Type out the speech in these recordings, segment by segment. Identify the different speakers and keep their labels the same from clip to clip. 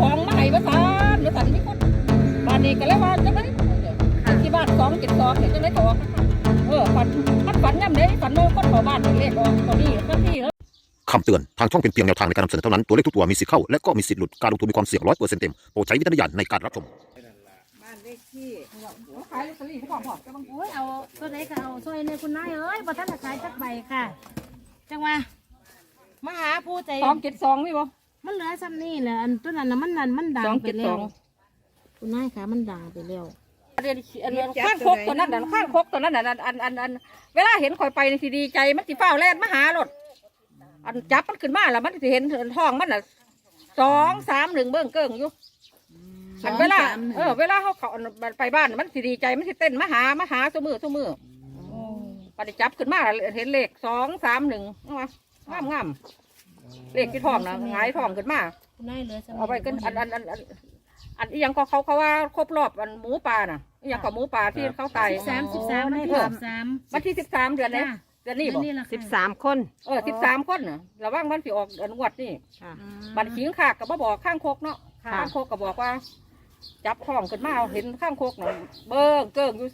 Speaker 1: ของมาให้ประสานมีคนบ้านนี้ก็เลยว่าจะได้ที่บ้าน272เนี่ยจะได้ออกฝันย่ำเด้ฝันว่าคนขอบ้านเลขออกตอนนี้ก็ที่
Speaker 2: คำเตือนทางช่องเป็นเพียงแนวทางในการนำเสนอเท่านั้นตัวเลขทุกตัวมีสิทธิ์เข้าและก็มีสิทธิ์หลุดการลงทุนมีความเสี่ยง100%เต็มโปรดใช้วิจารณญาณในการรับชม
Speaker 3: บ้านเลขที่
Speaker 1: ขายลอตเตอรี่เขาบอกจะบาง
Speaker 4: โอ้ยเอาตัวไหนก็เอาซอยในคุณนายเอ้ยบ่ทันจะขายจักใบค่ะจังว่ามาหาผู้ใจ
Speaker 1: 272นี่บ่
Speaker 4: มันเหลือซ้ำนี่แหละอันตัวนั้นน่ะมันดังไปแล้วคุณนายค่ะมันดังไปแล้ว
Speaker 1: เรียนข้างคกตัวนั้นข้างคกตัวนั้นอันเวลาเห็นข่อยไปนี่สิดีใจมันสิเฝ้าแล่นมาหารถอันจับมันขึ้นมาแล้วมันสิเห็นท้องมันน่ะ231เบิ่งเกิ้งอยู่เวลาเวลาเขาไปบ้านมันสิดีใจมันสิเต้นมาหาซุมือพอได้จับขึ้นมาเห็นเลข231งามเลขที่ท้องนะหงายท้องขึ้นมา
Speaker 4: คุณนายเหลือซ้ำ
Speaker 1: เอาไปกันอันอีหยังก็เขาว่าครบรอบอันหมูป่าน่ะอีหยังก็หมูป่าที่เขาตาย
Speaker 4: 13
Speaker 1: วันที่13เดือนนี้เดือนนี้บอก
Speaker 3: 13 คน
Speaker 1: 13 คนน่ะระว่างมันสิออกเดือนงวดนี่บัตรขิงขากกับบ่บอกข้างโคกเนาะข้างโคกก็บอกว่าจับท้องขึ้นมาเห็นข้างโคกน่ะเบิ้งเกิ้งอยู่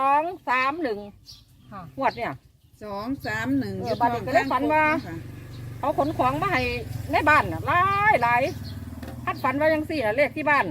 Speaker 1: 231งวดเนี่ย
Speaker 3: 231
Speaker 1: บัตรก็เลยฝันว่าเขาขนของมาให้ในบ้านน่ะหลายคัดฝันว่ายังสี่น่ะเลขที่บ้าน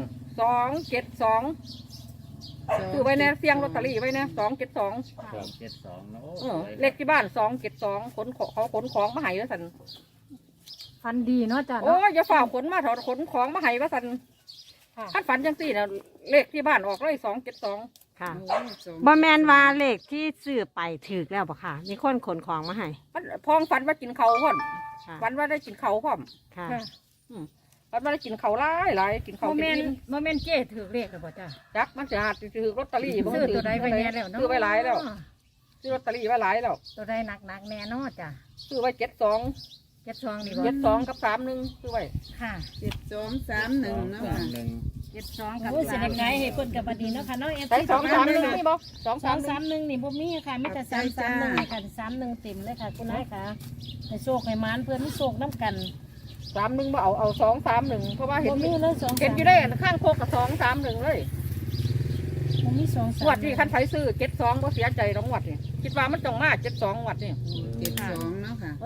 Speaker 1: 272คือไว้ในเสียงลอตเตอรี่ไว้นะ272
Speaker 5: นะ
Speaker 1: เลขที่บ้าน272ขนของมาให้แล้วสัน
Speaker 4: ฟันดีเนาะจ้ะ
Speaker 1: โอ้ยอย่าฝ่าขนมาถอดขนของมาให้ว่าสันคัดฝันยังสี่น่ะเลขที่บ้านออกเลย272
Speaker 3: ค่ะบ่แมนว่าเลขที่ซื้อไปถือแล้วบ่ค่ะมีคนขนของมาให้
Speaker 1: พองฝันว่ากินเขาพร้อมฝันว่าได้กินเขาพร้อม
Speaker 3: ค่ะ
Speaker 1: ฝันว่าได้กินเขาหลายกินเขา
Speaker 4: โมเมนเจ้ถือเลขเลยบ่จ้ะ
Speaker 1: จักมันจะหาถือลอตเตอรี่
Speaker 4: ซื้อตัวใดไปแน่แล้วเนาะ
Speaker 1: ซื้อไว้หลายแล้วซื้อลอตเตอรี่ไว้หลายแล้ว
Speaker 4: ตัวใดหนักแน่เนาะจ้ะ
Speaker 1: ซื้อไว้72
Speaker 4: นี่
Speaker 1: บ่72กับ31ซื้อไว้
Speaker 4: ค่ะ
Speaker 3: 7231เนาะค่ะ
Speaker 4: 72กับสิได้ขายให้เพิ่นก็บ่ดีเนาะค่ะเนาะ
Speaker 1: 231นี่บ่
Speaker 4: 231นี่บ่มีค่ะมีแต่331นี่ค่ะ31เต็มเลยค่ะคุณนายค่ะให้โชคให้หมานเพิ่นมีโชคนำกัน
Speaker 1: 31บ่เอา231เพราะว่าเห็น
Speaker 4: มีเลย
Speaker 1: เห็นอยู่ได้ข้างโคกกับ231เลย
Speaker 4: บ่มี2
Speaker 1: งวดที่คันไผซื้อ72บ่เสียใจดอกงวดนี่คิดว่ามันต้องมา72งวดนี่
Speaker 3: 72เนาะค่ะ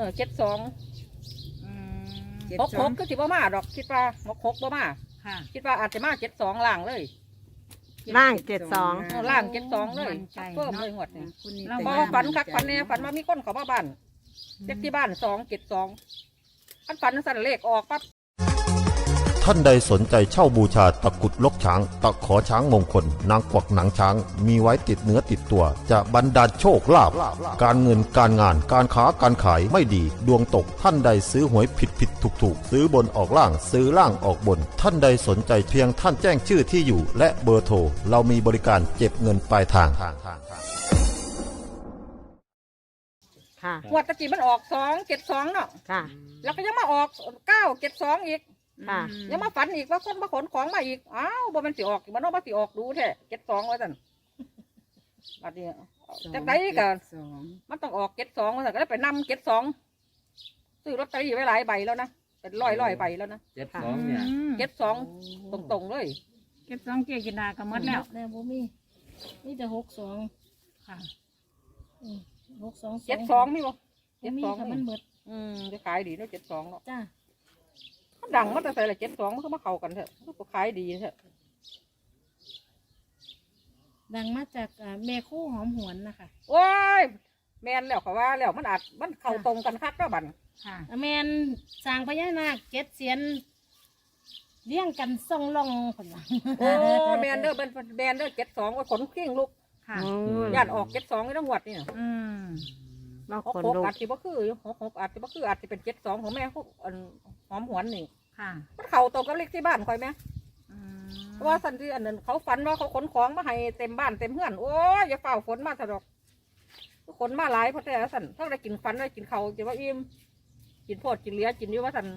Speaker 1: 7266ก็สิบ่มาดอกคิดว่า66บ่มาคิดว่าอาจจะมา72ล่างเลย
Speaker 3: ล่าง72
Speaker 1: ล่าง72เลยเพิ่มเลยงวดนี่บ่ฝันคักฝันแน่ฝันว่ามีคนเข้ามาบ้านเลขที่บ้าน272อันฝันสั่นเลขออกปั๊บ
Speaker 2: ท่านใดสนใจเช่าบูชาตะกุดลกช้างตะขอช้างมงคลนางกวักหนังช้างมีไว้ติดเนื้อติดตัวจะบรรดาลโชคลาภการเงินการงานการค้าการขายไม่ดีดวงตกท่านใดซื้อหวยผิดถูกซื้อบนออกล่างซื้อล่างออกบนท่านใดสนใจเพียงท่านแจ้งชื่อที่อยู่และเบอร์โทรเรามีบริการเก็บเงินปลายทาง
Speaker 1: งวดตะกี้มันออก272เนาะแล้วก็ยังมาออก972อีกยังมาฝันอีกว่าคนมาขนของมาอีกอ้าวบ่มันสิออกมันต้องมาสิออกดูแท้72ว่าซั่นบัดนี้จากไหนกันมันต้องออก72ว่าซั่นก็เลยไปนำ72ซื้อลอตเตอรี่ไว้หลายใบแล้วนะเป็นร้อยใบแล้วนะ
Speaker 5: 72เนี่ย
Speaker 1: 72ตรงๆเลย
Speaker 4: 72เกี่ยกินดาก็หมดแล้วบ่มีแต่62ค่ะ
Speaker 1: 72มีบ่
Speaker 4: 72มันเบิด
Speaker 1: จะขายดีเนาะ72เนาะ
Speaker 4: จ้า
Speaker 1: มันดังมันจะใส่ละ72มันก็มาเข้ากันเถอะมันก็ขายดีเถอะ
Speaker 4: ดังมาจากแม่คู่หอมหวนนะคะ
Speaker 1: โอ้ยแมนแล้วเขาว่าแล้วมันเข้าตรงกันคักก็บัน
Speaker 4: ค่ะแมนสร้างพญานาค7 เสียนเลี้ยงกันส่งลงคนละ
Speaker 1: โอ้แมนเด้อแมนเด้อ72ว่าขนขิ้งลูก
Speaker 4: ค่ะ
Speaker 1: ญาติออก72นี่ต้องหวดนี่66อาจจะบ่คือ66อาจจะบ่คืออาจจะเป็น72ของแม่พวกหอมหวนนี่
Speaker 4: ค่ะ
Speaker 1: มันเข้าตรงกับเลขที่บ้านคอยไหมเพราะว่าสันที่อันนั้นเขาฝันว่าเขาขนของมาให้เต็มบ้านเต็มเฮือนโอ้ยอย่าเฝ้าฝนมาสะดอกขนมาหลายเพราะแต่สันถ้าได้กินฟันได้กินเขากินว่าอิ่มกินโพดกินเลี้ยกินอยู่ว่าสัน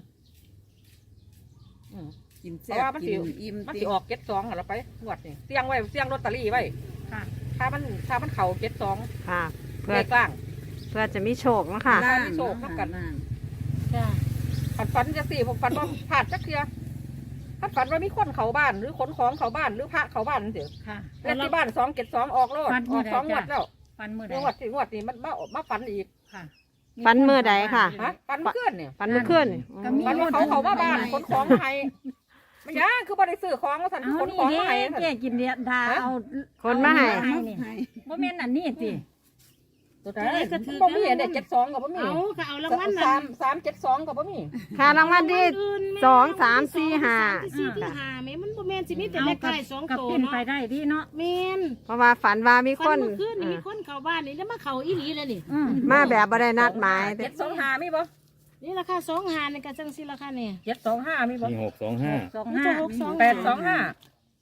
Speaker 3: กินแซ่บ
Speaker 1: กินอิ่มมันสิออก72เราไปงวดนี่เสี่ยงไว้เสี่ยงลอตเตอรี่ไว้
Speaker 4: ค่ะ
Speaker 1: ถ้ามันเข่า72
Speaker 3: ค่ะ
Speaker 1: เพื่อกลาง
Speaker 3: เพื่อจะมีโชคนะคะ
Speaker 1: มีโชคเท่ากันฝันจะสี่ผมฝันว่าผ่านจักเทียถ้าฝันว่ามีคนเข้าบ้านหรือขนของเข้าบ้านหรือพระเข้าบ้านนั่นสิ
Speaker 4: ค่ะ
Speaker 1: เลขที่บ้าน272ออกโลด
Speaker 4: ฝัน
Speaker 1: อ
Speaker 4: มื้
Speaker 1: อ
Speaker 4: อก ใด
Speaker 1: 2งวด
Speaker 4: จ้ะ
Speaker 1: แล้ว
Speaker 4: ฟันมือใด
Speaker 1: งวดนี้มันมาฝันอีก
Speaker 4: ค่ะ
Speaker 3: ฝันมื้อใดค่ะ
Speaker 1: ฮะฝันเพื่อนเนี่ย
Speaker 3: ฝันเมื่อคืน
Speaker 4: ก็มี
Speaker 1: ฝันว่าเขาเข้ามาบ้านขนของมาให้มันยังคือบ่ได้ซื้อของว่าซั่น
Speaker 4: เอา
Speaker 1: ขน
Speaker 4: นี่
Speaker 1: ของ
Speaker 4: เด้
Speaker 1: มาให้ซั่น
Speaker 4: เจ๊กินเดียดาเอา
Speaker 3: คนมาให้
Speaker 4: นี่บ่แม่นอันนี้ติ
Speaker 1: ตัวใดก็ถือบ่มีอันเด็ด72ก็บ่มี
Speaker 4: เอาก็เอารางวัลน่ะ
Speaker 1: 372ก็บ่มี
Speaker 3: ค่ะรางวัลที่2 3 4 5
Speaker 4: สี่ที่ห้าแม่มันบ่แม่นสิมีแต่เลขท้าย2
Speaker 5: กับ
Speaker 4: ตัว
Speaker 5: ปิ้น
Speaker 4: เนาะ
Speaker 5: ไปได้ดีเนาะ
Speaker 4: แม่น
Speaker 3: เพราะว่าฝันว่ามีค
Speaker 4: ฟั
Speaker 3: น
Speaker 4: นเมื่อคืนนี่มีคนเข้าบ้านนี่แล้วมาเข้าอีหลีเลยนี่
Speaker 3: มาแบบบ่ได้นัดหมาย
Speaker 1: 725มีบ่
Speaker 4: นี่ราคา2หานี่ก็จังซี่ราคานี่
Speaker 1: 725มีบ่
Speaker 6: มี625
Speaker 5: 25
Speaker 4: มีแต่625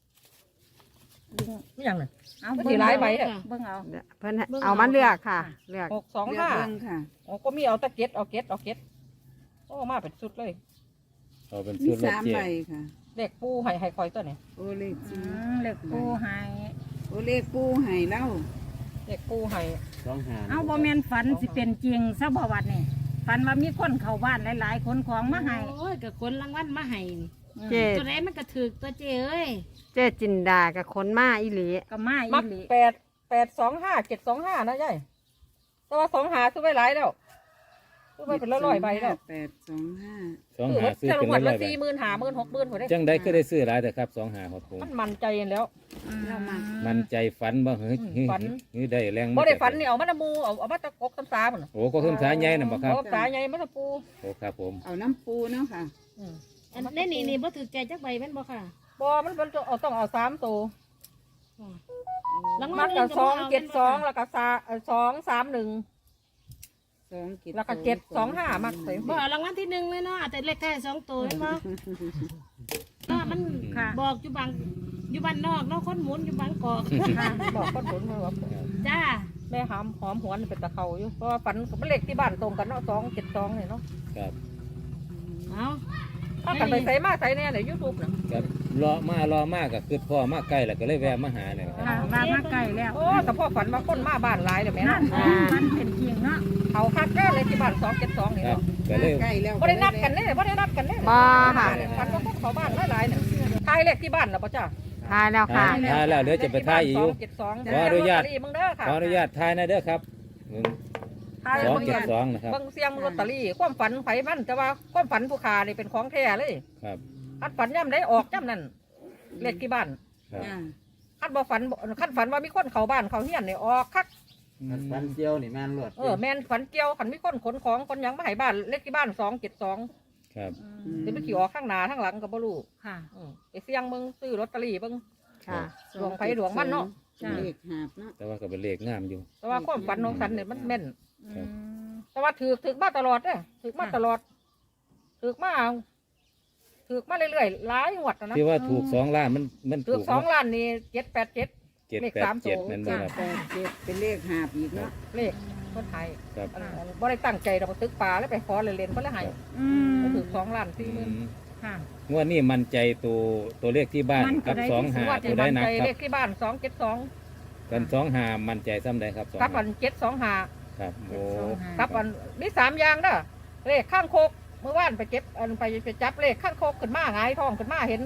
Speaker 1: 825มีหยังน่ะ
Speaker 5: เอา
Speaker 1: มัน
Speaker 5: เบิ่
Speaker 1: สิ
Speaker 5: ง
Speaker 1: หลาย
Speaker 5: เอา
Speaker 1: ใบเด้อ
Speaker 5: เบิ่งเอา
Speaker 3: เพิ่นให้เอามาเลือกค่ะ เลือก
Speaker 1: 625
Speaker 7: ค่ะ
Speaker 1: อ๋อก็มีเอาแตะเก็ตเอาเก็ตโอ้มาเป็นชุดเลย
Speaker 6: เอาเป็น
Speaker 7: มี
Speaker 6: ชุดรถ
Speaker 7: สาม
Speaker 6: เจ็
Speaker 7: ใบ
Speaker 6: ด
Speaker 7: ค่ะ
Speaker 1: เด็กปูให้คอยตัวนี้
Speaker 7: โอเลข
Speaker 5: อื
Speaker 7: จี
Speaker 5: มเลขปูให้
Speaker 7: โอเลขปูให้เล่า
Speaker 1: เด็กปูให้
Speaker 5: เอาบ่แม่นฝันสิเป็นจริงซะบ่วัดนี่ฝันว่ามีคนเข้าบ้านหลายๆคนของมาให้
Speaker 4: โอ้ยก็คนรางวัลมาให้นี่
Speaker 3: เจ
Speaker 4: ตัวไหนมันก็ถูกตัวเจ้เอ้ย
Speaker 3: เจจินดากับคนมาอีหลี
Speaker 5: ก็มาอี
Speaker 1: มัก
Speaker 5: หลี
Speaker 1: 825 725นะยายแต่ว่า25ซื้อไว้หลายแล้วซื้อไว้เป็นร้อยๆใบแล้ว
Speaker 7: 825
Speaker 6: ซื้อ
Speaker 1: จะลง
Speaker 6: เป็
Speaker 1: วัน
Speaker 6: นร้
Speaker 1: ละ
Speaker 6: อยใบ
Speaker 1: 40,000 50,000 60,000พอได้
Speaker 6: จังได้ก็ได้ซื้อหลายแต่ครับ25ครับผม
Speaker 1: มันมั่นใจแล้ว
Speaker 7: เรามา
Speaker 6: มันใจฝันบ่เฮ้ย
Speaker 1: ฝัน
Speaker 6: เฮ้ยได้แรง
Speaker 1: บ่ได้ฝันนี่เอามาตะมูเอามาตะกกตำสาพุ่น
Speaker 6: โอ้ก็ขึ้นสายใหญ่น่ะบ่ครับ
Speaker 1: เอาสาใหญ่มาตะปู
Speaker 6: โอ้ครับผม
Speaker 7: เอาน้ำปูเนาะค่ะ
Speaker 1: อืม
Speaker 4: อันนี้นี่บ่ถูกใจจักใบแม่นบ่ค่ะ
Speaker 1: บ่มันต้องเอา3ตัว
Speaker 4: รางวั
Speaker 1: มั
Speaker 4: ล
Speaker 1: ก
Speaker 4: อื่
Speaker 1: ก็
Speaker 4: นก็บ่เอา
Speaker 1: 272แล้วก็231
Speaker 7: 2
Speaker 1: แล้วก็725มักใส่
Speaker 4: บ่เอารางวัลที่1เลยเนาะเอาแต่เลขท้าย2ตัวแม่นบ่เนาะมันบอกอยู่อยู่บ้านนอกเนาะคนหมุนอยู่บางกอก
Speaker 1: บอกคนผลมาว่า
Speaker 4: จ้า
Speaker 1: แม่หอมหวนเป็นตะเขาอยู่เพราะว่าฝันกับเลขที่บ้านตรงกันเนาะ272เนี่ยเนาะ
Speaker 6: ครับ
Speaker 4: เอา
Speaker 1: ถ้ากันไปใส่มาใส่เนี่ยในยูทูบน่ะ
Speaker 6: ครับรอมาก็คือพ่อมาใกล้แล้วก็เลยแวะมาหาเนี่ยครับ
Speaker 5: ค่ะมาใกล้แล้ว
Speaker 1: โอ้แต่พ่อฝันว่าคนมาบ้านหลายเดี๋ยวแม่
Speaker 5: นั่
Speaker 1: เนาะ
Speaker 5: นมันเป็นจริงเนาะ
Speaker 1: เขาคักแน่เลยที่บ้าน272นี่
Speaker 6: ครับ
Speaker 1: เนาะ
Speaker 6: ก็เลย
Speaker 7: ใกล้แล้ว
Speaker 1: บ่ได้นัดกันเนี่ยบ่ได้นัดกันเนี่ย
Speaker 3: บ่ค่ะ
Speaker 1: ฝันว่าคนเขาบ้านหลายๆเนี่ยทายเลขที่บ้านน่ะป่ะจ้า
Speaker 3: ทายแล้วค่ะ
Speaker 6: ถ่ายแล้วเดี๋ยวจะไปถ่ายอีกอยู่
Speaker 1: 272
Speaker 6: ขออนุญาต
Speaker 1: มึงเด้อค่ะ
Speaker 6: ขออนุญาตถ่ายหนะเด้อครับ
Speaker 1: ทาย
Speaker 6: สอง
Speaker 1: เบิ่ง
Speaker 6: เจ็ด
Speaker 1: กัน
Speaker 6: สองนะครับ
Speaker 1: เบิ่งเสียงลอตเตอรี่ความฝันไผมันแต่ว่าความฝันผู้ค้านี่เป็นของแท้เลย
Speaker 6: ครับ
Speaker 1: คันฝันย่ำได้ออกย่ำนั่นเลขที่บ้าน
Speaker 6: ครับ
Speaker 7: จ้า
Speaker 1: คันบ่ฝันคันฝันว่ามีคนเข้าบ้านเข้าเฮียนนี่ออกคัก
Speaker 8: ฟันเจียวนี่แม่นรวด
Speaker 1: แม่นฝันเกี่ยวคันมีคนขนของคนหยังมาให้บ้านเลขที่บ้าน272
Speaker 6: ครับ
Speaker 1: สิไปขี่ออกข้างหน้าข้างหลังก็บ่รู้
Speaker 5: ค่ะ
Speaker 1: ไปเสี่ยงมึงซื้อลอตเตอรี่เบิ่ง
Speaker 3: ค่ะ
Speaker 1: ดวงไผดวงมันเนาะ
Speaker 7: เลขหาบเนาะ
Speaker 6: แต่ว่าก็เป็นเลขงามอยู่
Speaker 1: แต่ว่าความฝันของฉันเนี่ยมันแม่น
Speaker 6: ครับ
Speaker 1: แต่ว่าถือมาตลอดเด้อถือมาตลอดถือมาเรื่อยๆหลายงวดแล้วนะ
Speaker 6: ที่ว่าถูก2 ล้านมัน
Speaker 1: ถือ
Speaker 6: ถูก
Speaker 1: 2 ล้านนี่787 เลข3
Speaker 6: 787นั่นบ่ครับ
Speaker 7: 87เป็นเลขหาบอีกเนาะ
Speaker 1: เลขคนไทย
Speaker 6: ครับ
Speaker 1: บ่ได้ตั้งใจเราไปตึกป่าแล้วไปขอเล่นๆเพิ่นเลยให้
Speaker 5: อืม
Speaker 1: ถือ2 ล้าน
Speaker 6: อื
Speaker 1: 40,000
Speaker 6: ม
Speaker 5: ค่ะ
Speaker 6: งวดนี้มั่นใจตัวเลขที่บ้าน
Speaker 5: มั่น
Speaker 6: กับ
Speaker 5: ใจ
Speaker 6: 2
Speaker 5: ที่สุด
Speaker 6: หา
Speaker 1: ว่า
Speaker 6: ตัว
Speaker 1: จะ
Speaker 6: ได้
Speaker 1: มั่น
Speaker 6: หนัก
Speaker 1: ใจ
Speaker 6: ครั
Speaker 1: เล
Speaker 6: บ
Speaker 1: ขที่บ้าน272
Speaker 6: กัน2 หามั่นใจซ้ำใดครับ2
Speaker 1: กับ
Speaker 6: หา
Speaker 1: อัน725
Speaker 6: ครับโอ้
Speaker 1: กับอันมี3อย่างเด้อเลขข้างโคกเมื่อวานไปเก็บอันไปจับเลขข้างโคกขึ้นมาหงายท้องขึ้นมาเห็น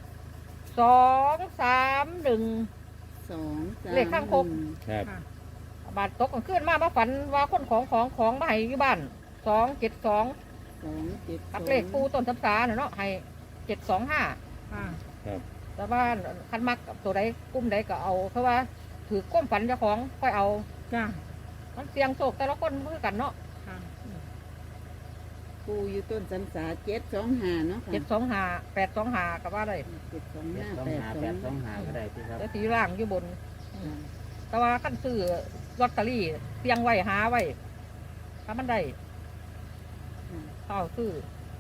Speaker 1: 231
Speaker 7: 2
Speaker 1: เลขข้างคก
Speaker 6: ครับ
Speaker 1: บาดตกกลางคืนมาฝันว่าคนของมาให้อยู่บ้าน272
Speaker 7: 2
Speaker 1: กับเลขปูต้นทับสาเนาะให้725
Speaker 5: ค่ะ
Speaker 6: ครับ
Speaker 1: แต่ว่าคันมักกับตัวใดกุ้มใดก็เอาเพราะว่าถือก้มฝันเจ้าของค่อยเอา
Speaker 5: จ้า
Speaker 1: มันเสียงโศกแต่ละคนมือกันเนาะ
Speaker 5: ค่ะ
Speaker 7: ปูอยู่ต้นสันสา725เนาะค่ะ
Speaker 1: 725 825กับว่าได้
Speaker 7: 725
Speaker 8: 825ก็ได้ที่ครับ
Speaker 1: แล้วสีร่างอยู่บน แต่ว่าขั้นซื้อลอตเตอรี่เสียงไว้หาไว้ถ้ามันได้เข้าซื้อ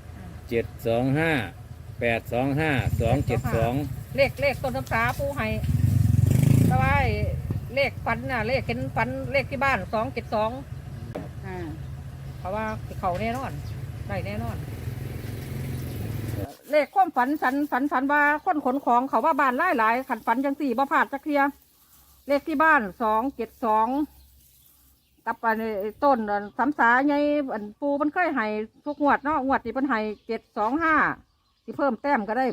Speaker 6: 725 825 272
Speaker 1: เลขต้นทับสาปูให้แต่ว่าไอ้เลขฝันน่ะเลขเห็นฝันเลขที่บ้าน272
Speaker 7: ค่ะ
Speaker 1: เพราะว่าเขาแน่นอนได้แน่นอน เลขความฝันฝันว่าคนขนของเขาว่าบ้านหลายขันฝันจังสี่บ่พลาดจักเทียเลขที่บ้าน272กับอันนี้ต้นสำสาไงอันปูมันเคยให้ทุกงวดเนาะงวดที่มันให้725 สิเพิ่มแต้มก็ได้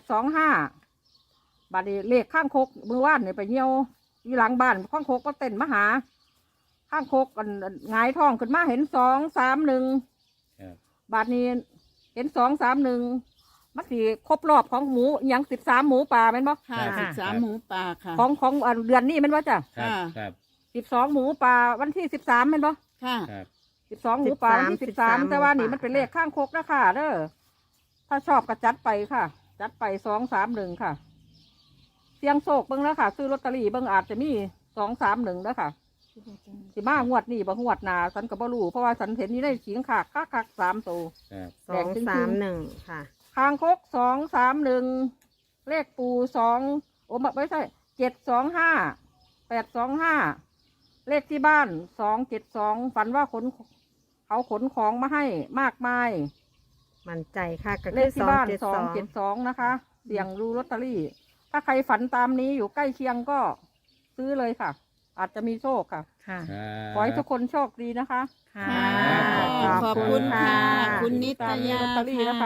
Speaker 1: 825บัดนี้เลขข้างคกมือว่านเนี่ยไปเหี่ยวอยู่หลังบ้านข้างคกก็เต้นมาหาข้างคกกันหงายท้องขึ้นมาเห็น231
Speaker 6: ครับ
Speaker 1: บัดนี้เห็น231มันสิครบรอบของหมูอหยัง13หมูป่าแม่นบ่
Speaker 7: ค่ะ
Speaker 6: ครับ
Speaker 7: 13หมูป่าค่ะ
Speaker 1: ของเดือนนี้แม่นบ่จ้ะ
Speaker 6: ครับ
Speaker 7: ค่ะ
Speaker 6: ครับ
Speaker 1: 12หมูป่าวันที่13แม่นบ่
Speaker 7: ค่ะ
Speaker 6: ครับ
Speaker 1: 12หมูป่าวันที่13แต่ว่านี่มันเป็นเลขข้างคกนะค่ะเด้อถ้าชอบก็จัดไปค่ะ จัดไป231ค่ะเสียงโศกเบิ่งแล้วค่ะซื้อลอตเตอรี่เบิ่งอาจจะมี231แล้วค่ะสิมางวดนี้บ่งวดหน้าฉันก็บ่รู้เพราะว่าฉันเห็นนี่ได้ขิงขากคัก3ตัว
Speaker 6: ครับ
Speaker 3: 231ค่ะ
Speaker 1: คางคก231เลขปู2โอ้ไม่ใช่725 825เลขที่บ้าน272ฝันว่าเขาขนของมาให้มากมาย
Speaker 3: มั่นใจค่ะก็
Speaker 1: เล
Speaker 3: คือ
Speaker 1: ขที่บ้าน
Speaker 3: 272
Speaker 1: 272นะคะเสี่ยงดูลอตเตอรี่ ถ้าใครฝันตามนี้อยู่ใกล้เคียงก็ซื้อเลยค่ะ อาจจะมีโชคค่ะ
Speaker 5: ค่ะ
Speaker 1: ขอให้ทุกคนโชคดีนะคะ
Speaker 5: ค่ะ
Speaker 7: ขอบคุณค่ะ คุณนิตยา
Speaker 1: ลอตเตอรี่นะคะ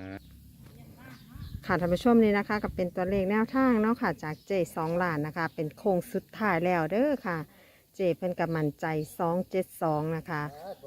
Speaker 3: ค่ะท่านผู้ชมนี่นะคะก็เป็นตัวเลขแนวทางเนาะค่ะจากเจ2ล้านนะคะ เป็นโค้งสุดท้ายแล้วเด้อค่ะ เจเพิ่นกับมั่นใจ272นะคะ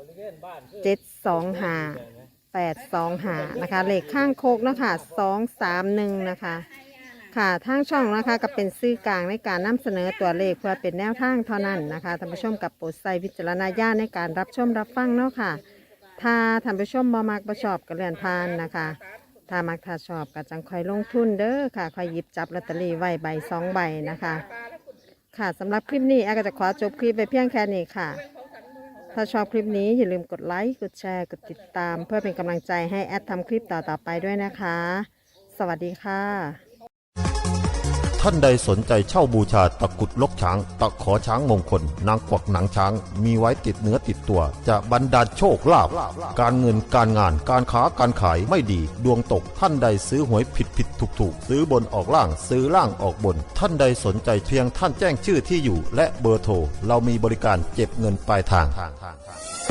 Speaker 3: 725 825นะคะเลขข้างโคกเนาะค่ะ231นะคะค่ะทางช่องนะคะก็เป็นสื่อกลางในการนำเสนอตัวเลขเพื่อเป็นแนวทางเท่านั้นนะคะท่านผู้ชมกับโปรดใช้วิจารณญาณในการรับชมรับฟังเนาะค่ะ ถ้าท่านผู้ชมบ่มักบ่ชอบก็เลื่อนผ่านนะคะ ถ้ามักถ้าชอบก็จังค่อยลงทุนเด้อค่ะค่อยหยิบจับลอตเตอรี่ไว้ใบ2 ใบนะคะ ค่ะสำหรับคลิปนี้แอร์ก็จะขอจบคลิปไปเพียงแค่นี้ค่ะ ถ้าชอบคลิปนี้อย่าลืมกดไลค์กดแชร์กดติดตาม เพื่อเป็นกำลังใจให้แอดทำคลิปต่อๆไปด้วยนะคะ สวัสดีค่ะ
Speaker 2: ท่านใดสนใจเช่าบูชาตะกรุดลกช้าง ตะขอช้างมงคล นางกวักหนังช้าง มีไว้ติดเนื้อติดตัว จะบรรดาลโชคลาภการเงินการงานการค้าการขายไม่ดี ดวงตกท่านใดซื้อหวยผิดถูกซื้อบนออกล่างซื้อล่างออกบน ท่านใดสนใจเพียงท่านแจ้งชื่อที่อยู่ และเบอร์โทรเรามีบริการเก็บเงินปลายทาง